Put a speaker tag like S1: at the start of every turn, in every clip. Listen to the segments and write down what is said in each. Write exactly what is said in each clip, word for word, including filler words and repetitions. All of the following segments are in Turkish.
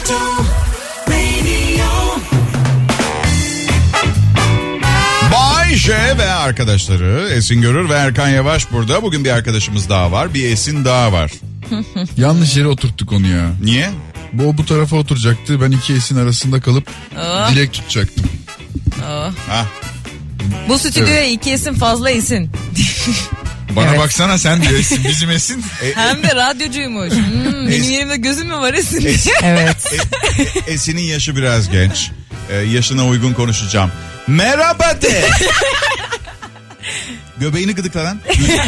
S1: Bay J ve arkadaşları Esin Görür ve Erkan Yavaş burada. Bugün bir arkadaşımız daha var. Bir Esin daha var.
S2: Yanlış yere oturttuk onu ya.
S1: Niye?
S2: Bu bu tarafa oturacaktı. Ben iki Esin arasında kalıp
S3: Oh.
S2: dilek tutacaktım.
S3: Oh.
S1: Ha.
S3: Bu stüdyoya evet. iki Esin fazla Esin.
S2: Bana
S3: Evet.
S2: baksana sen diyor Esin, bizim Esin.
S3: Hem de radyocuymuş. Hmm, benim yerimde gözüm mü var Esin diye.
S4: Evet.
S1: E, Esin'in yaşı biraz genç. Ee, yaşına uygun konuşacağım. Merhaba de. Göbeğini gıdıkla lan.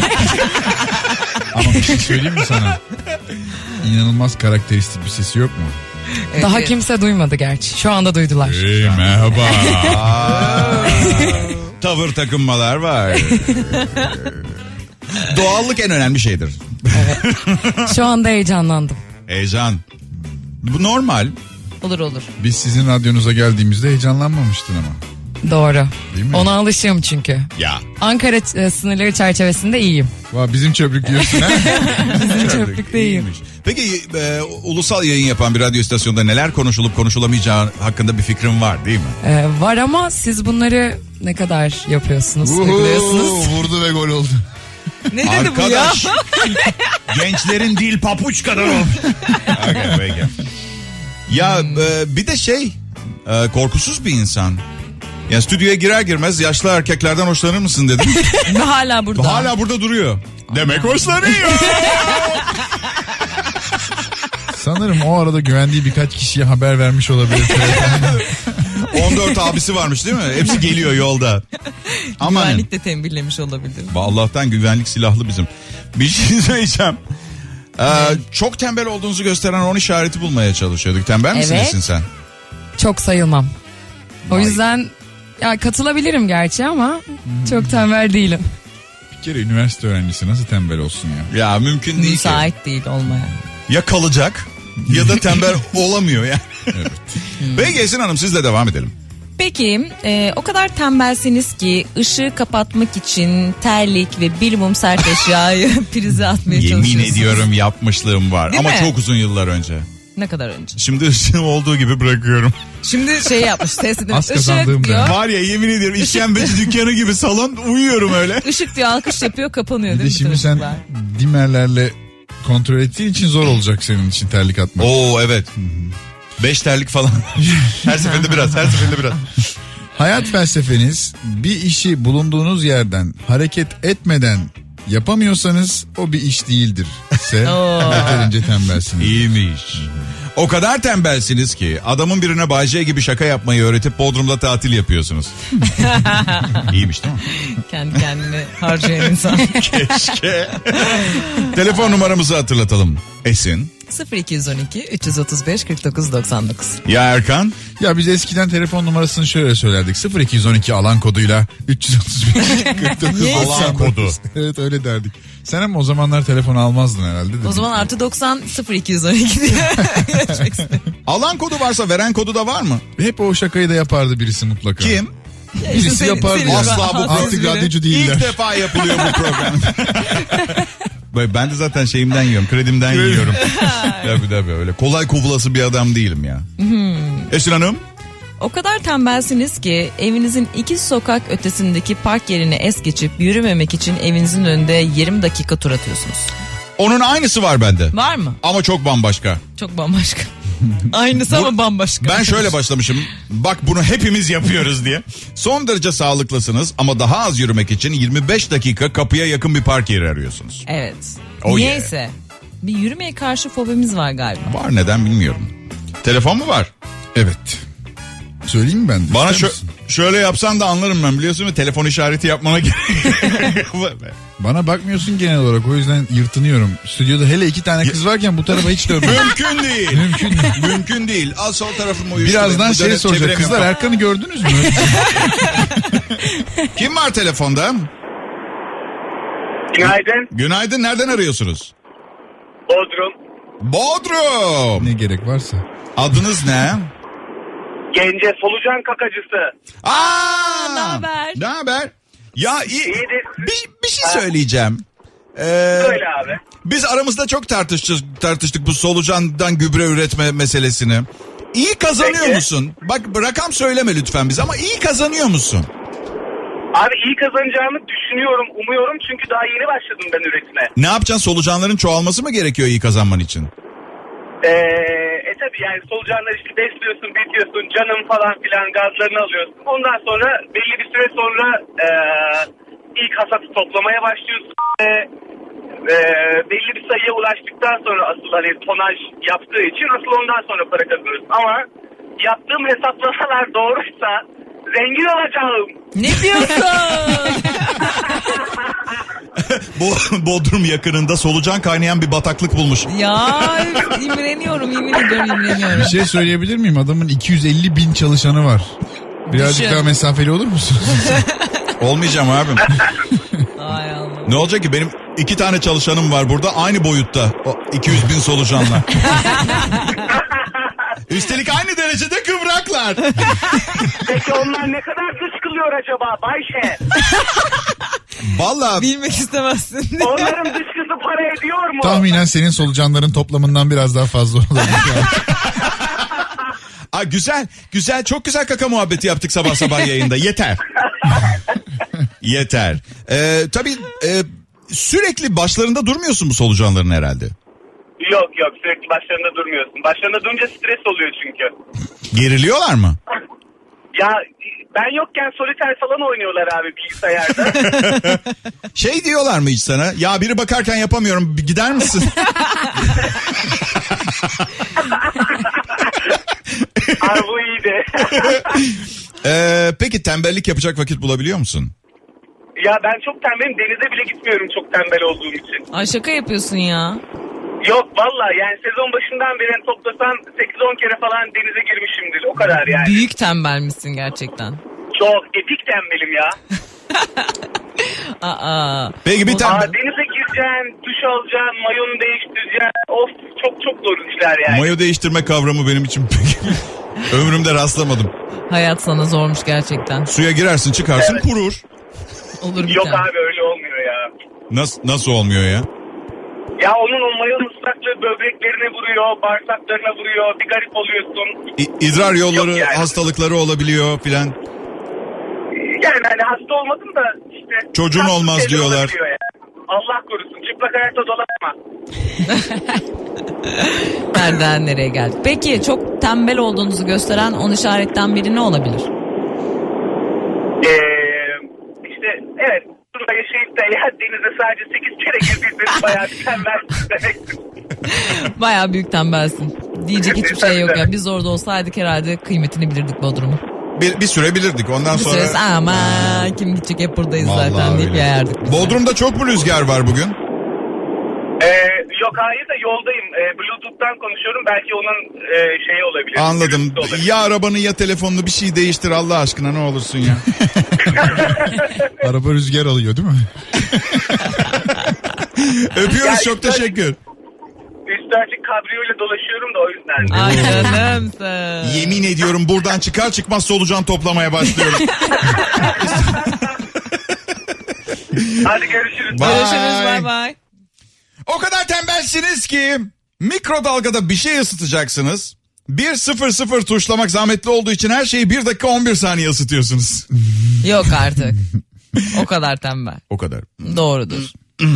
S2: Ama bir şey söyleyeyim mi sana? İnanılmaz karakteristik bir sesi yok mu?
S3: Evet,
S4: Daha
S3: evet.
S4: kimse duymadı gerçi. Şu anda duydular.
S2: Hey merhaba.
S1: Aa, tavır takınmalar var. Doğallık en önemli şeydir.
S4: Şu anda heyecanlandım.
S1: Heyecan. Bu normal.
S3: Olur olur.
S2: Biz sizin radyonuza geldiğimizde heyecanlanmamıştın ama.
S4: Doğru.
S2: Değil mi?
S4: Ona alışığım çünkü.
S1: Ya.
S4: Ankara e, sınırları çerçevesinde iyiyim.
S2: Vay, bizim çöplük diyorsun ha?
S4: Bizim çöplükte iyiyim.
S1: İyiymiş. Peki e, ulusal yayın yapan bir radyo istasyonunda neler konuşulup konuşulamayacağı hakkında bir fikrin var değil mi?
S4: Ee, var ama siz bunları ne kadar yapıyorsunuz, uyguluyorsunuz?
S2: Vurdu ve gol oldu.
S3: Ne dedi bu ya?
S1: Arkadaş. Gençlerin dil papuç kadar olmuş. Okay, peki. Ya e, bir de şey e, korkusuz bir insan. Ya stüdyoya girer girmez yaşlı erkeklerden hoşlanır mısın dedim.
S3: Ve hala burada.
S1: Hala burada duruyor. Demek hoşlanıyor.
S2: Sanırım o arada güvendiği birkaç kişiye haber vermiş olabilir.
S1: on dört abisi varmış değil mi? Hepsi geliyor yolda. Aman.
S3: Güvenlik de tembihlemiş olabilir.
S1: Allah'tan güvenlik silahlı bizim. Bir şey söyleyeceğim. Ee, çok tembel olduğunuzu gösteren on işareti bulmaya çalışıyorduk. Tembel misin
S4: Evet.
S1: Esin sen?
S4: Çok sayılmam. O
S1: Vay.
S4: yüzden ya katılabilirim gerçi ama çok tembel değilim.
S2: Bir kere üniversite öğrencisi nasıl tembel olsun ya?
S1: Ya mümkün değil ki.
S3: Müsait değil olmaya.
S1: Ya kalacak ya da tembel olamıyor yani.
S2: Evet.
S1: Peki Esin Hanım sizle devam edelim.
S3: Peki e, o kadar tembelsiniz ki ışığı kapatmak için terlik ve bir mum sert eşyayı prize atmaya
S1: Yemin
S3: çalışıyorsunuz.
S1: ediyorum yapmışlığım var.
S3: Değil
S1: Ama
S3: mi?
S1: çok uzun yıllar önce.
S3: Ne kadar önce?
S1: Şimdi ışığım olduğu gibi bırakıyorum.
S3: Şimdi şey yapmış ses edin.
S2: Az kazandığım
S3: Işık diyor.
S2: ben.
S1: Var ya yemin ediyorum işkembeci dükkanı gibi salon uyuyorum öyle.
S3: Işık diyor alkış yapıyor kapanıyor
S2: Bir
S3: değil
S2: de
S3: mi?
S2: şimdi
S3: bütün
S2: sen
S3: ışıklar?
S2: dimerlerle kontrol ettiğin için zor olacak senin için terlik atmak.
S1: Oo evet. Beş terlik falan. Her seferinde biraz, her seferinde biraz.
S2: Hayat felsefeniz bir işi bulunduğunuz yerden hareket etmeden yapamıyorsanız o bir iş değildir. Se
S3: Oo.
S2: yeterince tembelsiniz.
S1: İyiymiş. O kadar tembelsiniz ki adamın birine Bay J gibi şaka yapmayı öğretip Bodrum'da tatil yapıyorsunuz. İyiymiş değil mi?
S3: Kendi kendine harcayan insan.
S1: Keşke. Telefon numaramızı hatırlatalım. Esin.
S3: sıfır iki on iki üç otuz beş kırk dokuz doksan dokuz.
S1: Ya Erkan.
S2: Ya biz eskiden telefon numarasını şöyle söylerdik. sıfır iki on iki alan koduyla üç yüz otuz beş kırk dokuz
S3: Yes.
S1: Alan kodu.
S2: Evet öyle derdik. Sen ama o zamanlar telefon almazdın herhalde.
S3: O zaman artı doksan sıfır iki on iki diye geçmek istedim.
S1: Alan kodu varsa veren kodu da var mı?
S2: Hep o şakayı da yapardı birisi mutlaka.
S1: Kim?
S2: Birisi
S3: Senin-
S2: yapardı
S3: senin-
S2: ya.
S1: Asla bu
S2: Artık
S3: biri.
S2: radyocu değiller.
S1: İlk defa yapılıyor bu program. Böyle ben de zaten şeyimden yiyorum, kredimden yiyorum. Tabii tabii öyle. Kolay kovulası bir adam değilim ya. Esin Hanım.
S3: O kadar tembelsiniz ki evinizin iki sokak ötesindeki park yerine es geçip yürümemek için evinizin önünde yirmi dakika tur atıyorsunuz.
S1: Onun aynısı var bende.
S3: Var mı?
S1: Ama çok bambaşka.
S3: Çok bambaşka. Aynısı ama bambaşka.
S1: Ben şöyle başlamışım. Bak bunu hepimiz yapıyoruz diye. Son derece sağlıklısınız ama daha az yürümek için yirmi beş dakika kapıya yakın bir park yeri arıyorsunuz.
S3: Evet.
S1: Oh
S3: Niyeyse. Bir yürümeye karşı fobimiz var galiba.
S1: Var neden bilmiyorum. Telefon mu var?
S2: Evet. Söyleyeyim mi ben de?
S1: Bana
S2: İster
S1: şö-
S2: misin?
S1: şöyle yapsan da anlarım ben biliyorsun mu? Telefon işareti yapmana gerek.
S2: Bana bakmıyorsun genel olarak, o yüzden yırtınıyorum. Stüdyoda hele iki tane kız varken bu tarafa hiç dönmüyorum.
S1: Mümkün değil.
S2: Mümkün değil.
S1: Mümkün değil. Az sol tarafımı uyuşturayım.
S2: Birazdan
S1: Bu
S2: şey
S1: dönem
S2: soracak.
S1: çeviremiyorum.
S2: Kızlar Erkan'ı gördünüz mü?
S1: Kim var telefonda?
S5: Günaydın.
S1: Günaydın. Nereden arıyorsunuz?
S5: Bodrum.
S1: Bodrum.
S2: Ne gerek varsa.
S1: Adınız ne?
S5: Gence solucan kakacısı.
S1: Aa!
S3: Ne haber?
S1: Ne haber? Ya iyi.
S5: İyidir.
S1: Bir, bir şey söyleyeceğim. Ee,
S5: Öyle abi.
S1: biz aramızda çok tartıştık, tartıştık bu solucandan gübre üretme meselesini. İyi kazanıyor
S5: Peki.
S1: musun? Bak rakam söyleme lütfen bize ama iyi kazanıyor musun?
S5: Abi iyi kazanacağımı düşünüyorum, umuyorum çünkü daha yeni başladım ben üretime.
S1: Ne yapacaksın? Solucanların çoğalması mı gerekiyor iyi kazanman için?
S5: Ee, e tabi yani solucanları işte besliyorsun, bitiyorsun, canım falan filan gazlarını alıyorsun. Ondan sonra belli bir süre sonra e, ilk hasatı toplamaya başlıyorsun. E, e, belli bir sayıya ulaştıktan sonra asıl hani tonaj yaptığı için asıl ondan sonra para kazanıyorsun. Ama yaptığım hesaplamalar doğruysa zengin olacağım.
S3: Ne diyorsun?
S1: Bo- Bodrum yakınında solucan kaynayan bir bataklık bulmuş.
S3: Ya imreniyorum, yemin ediyorum imreniyorum.
S2: Bir şey söyleyebilir miyim? Adamın iki yüz elli bin çalışanı var. Birazcık
S3: Düşün.
S2: daha mesafeli olur musun?
S1: Olmayacağım abim.
S3: Ay Allah.
S1: Ne olacak ki benim iki tane çalışanım var burada aynı boyutta. O iki yüz bin solucanla. Üstelik aynı derecede kıvraklar.
S5: Peki onlar ne kadar dışkılıyor acaba Bayşe?
S1: Vallahi
S3: Bilmek istemezsin.
S5: Onların dışkısı para ediyor mu?
S2: Tahminen senin solucanların toplamından biraz daha fazla olabilir.
S1: Aa, güzel güzel çok güzel kaka muhabbeti yaptık sabah sabah yayında. Yeter. Yeter. Ee, tabii e, sürekli başlarında durmuyorsun bu solucanların herhalde.
S5: Yok yok sürekli başlarında durmuyorsun. Başlarında durunca stres oluyor çünkü.
S1: Geriliyorlar mı?
S5: Ya ben yokken soliter falan oynuyorlar abi bilgisayarda.
S1: Şey diyorlar mı hiç sana? Ya biri bakarken yapamıyorum bir gider misin?
S5: Abi bu iyiydi.
S1: Ee, peki tembellik yapacak vakit bulabiliyor musun?
S5: Ya ben çok tembelim, denize bile gitmiyorum çok tembel olduğum için.
S3: Ay şaka yapıyorsun ya.
S5: Yok valla yani sezon başından beri toplasan sekiz on kere falan denize girmişimdir o kadar yani.
S3: Büyük tembel misin gerçekten?
S5: Çok epik tembelim ya.
S3: Aa.
S1: Peki bir
S5: Aa,
S1: tembel...
S5: denize gireceksin, duş alacaksın, mayonu değiştireceksin. Of çok çok zor işler yani.
S1: Mayo değiştirme kavramı benim için pek ömrümde rastlamadım.
S3: Hayat sana zormuş gerçekten.
S1: Suya girersin çıkarsın
S5: Evet.
S1: kurur.
S3: Olur bir
S5: Yok
S3: tane.
S5: abi öyle olmuyor ya.
S1: Nasıl, nasıl olmuyor ya?
S5: Ya onun o mayonun ıslaklığı böbreklerine vuruyor, bağırsaklarına vuruyor, bir garip oluyorsun.
S1: İ- idrar yolları
S5: Yok yani.
S1: hastalıkları olabiliyor filan.
S5: Yani hani hasta olmadım da işte.
S1: Çocuğun
S5: tatlı
S1: olmaz
S5: şeyler
S1: diyorlar.
S5: olabiliyor yani. Allah korusun çıplak ayakta dolaşma.
S3: Nereden nereye geldik? Peki çok tembel olduğunuzu gösteren on işaretten biri ne olabilir?
S5: Ee, işte evet burada yaşayıp da ya denize sadece sekiz kere girdiyseniz bayağı bir tembelsiniz demektir.
S3: Bayağı büyük tembelsin. Diyecek hiçbir şey yok ya. Biz orada olsaydık herhalde kıymetini bilirdik Bodrum'un.
S1: Bir, bir süre bilirdik ondan
S3: Bir
S1: sonra.
S3: süresi ama kim gidecek hep buradayız
S1: Vallahi
S3: zaten deyip
S1: öyle.
S3: yayardık. biz de.
S1: Bodrum'da çok mu rüzgar var bugün?
S5: Ee, yok hayır da yoldayım. Ee, Bluetooth'tan konuşuyorum. Belki onun e, şeyi olabilir.
S1: Anladım.
S5: Gürültüsü olabilir.
S1: Ya arabanı ya telefonunu bir şey değiştir Allah aşkına ne olursun ya.
S2: Araba rüzgar alıyor değil mi?
S1: Öpüyoruz
S5: Ya
S1: çok
S5: işte-
S1: teşekkür.
S5: Üstü açık kabriyoyla dolaşıyorum da o yüzden.
S3: Ay canımsın.
S1: Yemin ediyorum buradan çıkar çıkmaz solucan toplamaya başlıyorum.
S5: Hadi görüşürüz.
S1: Bye.
S3: Görüşürüz bay bay.
S1: O kadar tembelsiniz ki mikrodalgada bir şey ısıtacaksınız. bir sıfır sıfır tuşlamak zahmetli olduğu için her şeyi bir dakika on bir saniye ısıtıyorsunuz.
S3: Yok artık. O kadar tembel.
S1: O kadar.
S3: Doğrudur.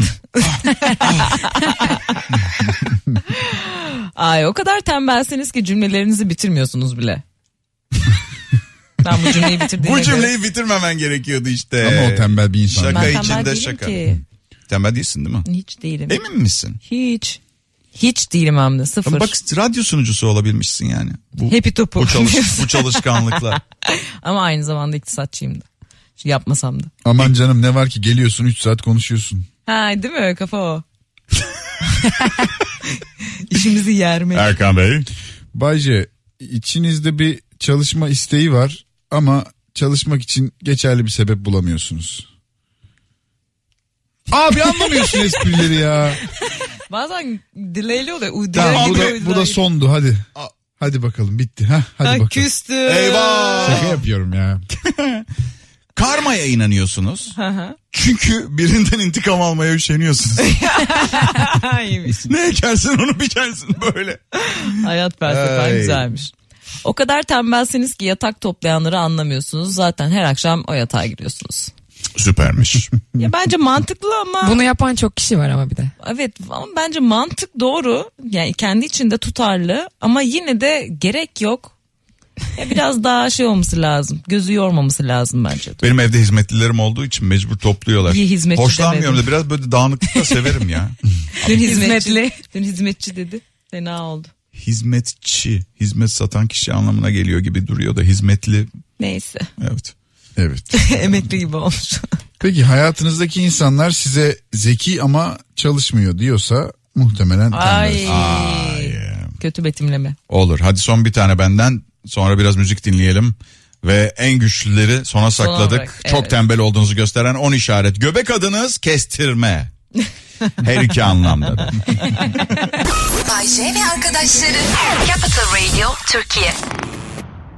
S3: Ay o kadar tembelsiniz ki cümlelerinizi bitirmiyorsunuz bile. Ben bu cümleyi bitirdiğime
S1: Bu
S3: göre-
S1: cümleyi bitirmemen gerekiyordu işte.
S2: Ama o tembel bir insan.
S1: Şaka
S3: Ben tembel
S1: içinde
S3: değilim
S1: şaka.
S3: ki.
S1: Tembel değilsin değil mi?
S3: Hiç değilim.
S1: Emin misin?
S3: Hiç. Hiç değilim hem de sıfır.
S1: Bak radyo sunucusu olabilmişsin yani. Bu,
S3: Happy topu.
S1: bu, çalış, bu çalışkanlıkla.
S3: Ama aynı zamanda iktisatçıyım da. Şu yapmasam da.
S2: Aman canım ne var ki geliyorsun üç saat konuşuyorsun.
S3: Ha değil mi kafa o. İşimizi yermek.
S1: Erkan Bey.
S2: Bayce içinizde bir çalışma isteği var ama çalışmak için geçerli bir sebep bulamıyorsunuz. Abi anlamıyorsun esprileri ya.
S3: Bazen delay'li oluyor. U-
S2: Tamam
S3: delay
S2: bu
S3: gidiyor,
S2: da, bu da
S3: delay.
S2: sondu hadi.
S1: Aa.
S2: Hadi bakalım bitti. Heh, hadi
S3: Ha,
S2: bakalım.
S3: küstü.
S1: Eyvah.
S2: Şaka yapıyorum ya.
S1: Karmaya inanıyorsunuz. Çünkü birinden intikam almaya üşeniyorsunuz.
S3: İyiymiş.
S1: Ne ekersin onu biçersin böyle.
S3: Hayat felsefen
S1: Ay.
S3: güzelmiş. O kadar tembelsiniz ki yatak toplayanları anlamıyorsunuz. Zaten her akşam o yatağa giriyorsunuz.
S1: Süpermiş.
S3: Ya bence mantıklı ama...
S4: Bunu yapan çok kişi var ama bir de.
S3: Evet ama bence mantık doğru. Yani kendi içinde tutarlı ama yine de gerek yok. Ya biraz daha şey olması lazım. Gözü yormaması lazım bence.
S1: Benim evde hizmetlilerim olduğu için mecbur topluyorlar.
S3: İyi hizmetçi
S1: Hoşlanmıyorum
S3: demedim.
S1: da biraz böyle dağınıklık da severim ya.
S3: Dün hizmetçi,
S4: Hizmetli.
S3: dün hizmetçi dedi. Fena oldu.
S1: Hizmetçi, hizmet satan kişi anlamına geliyor gibi duruyor da hizmetli.
S3: Neyse.
S1: Evet.
S2: Evet.
S3: Emekli gibi olmuş.
S2: Peki hayatınızdaki insanlar size zeki ama çalışmıyor diyorsa muhtemelen
S3: Ay.
S2: tembel.
S1: Ay.
S3: Kötü betimleme.
S1: Olur. Hadi son bir tane benden. Sonra biraz müzik dinleyelim. Ve en güçlüleri sona sakladık.
S3: bırak,
S1: Çok
S3: evet.
S1: tembel olduğunuzu gösteren on işaret. Göbek adınız kestirme. Her iki anlamda.
S6: Bay J ve arkadaşları Capital Radio Türkiye.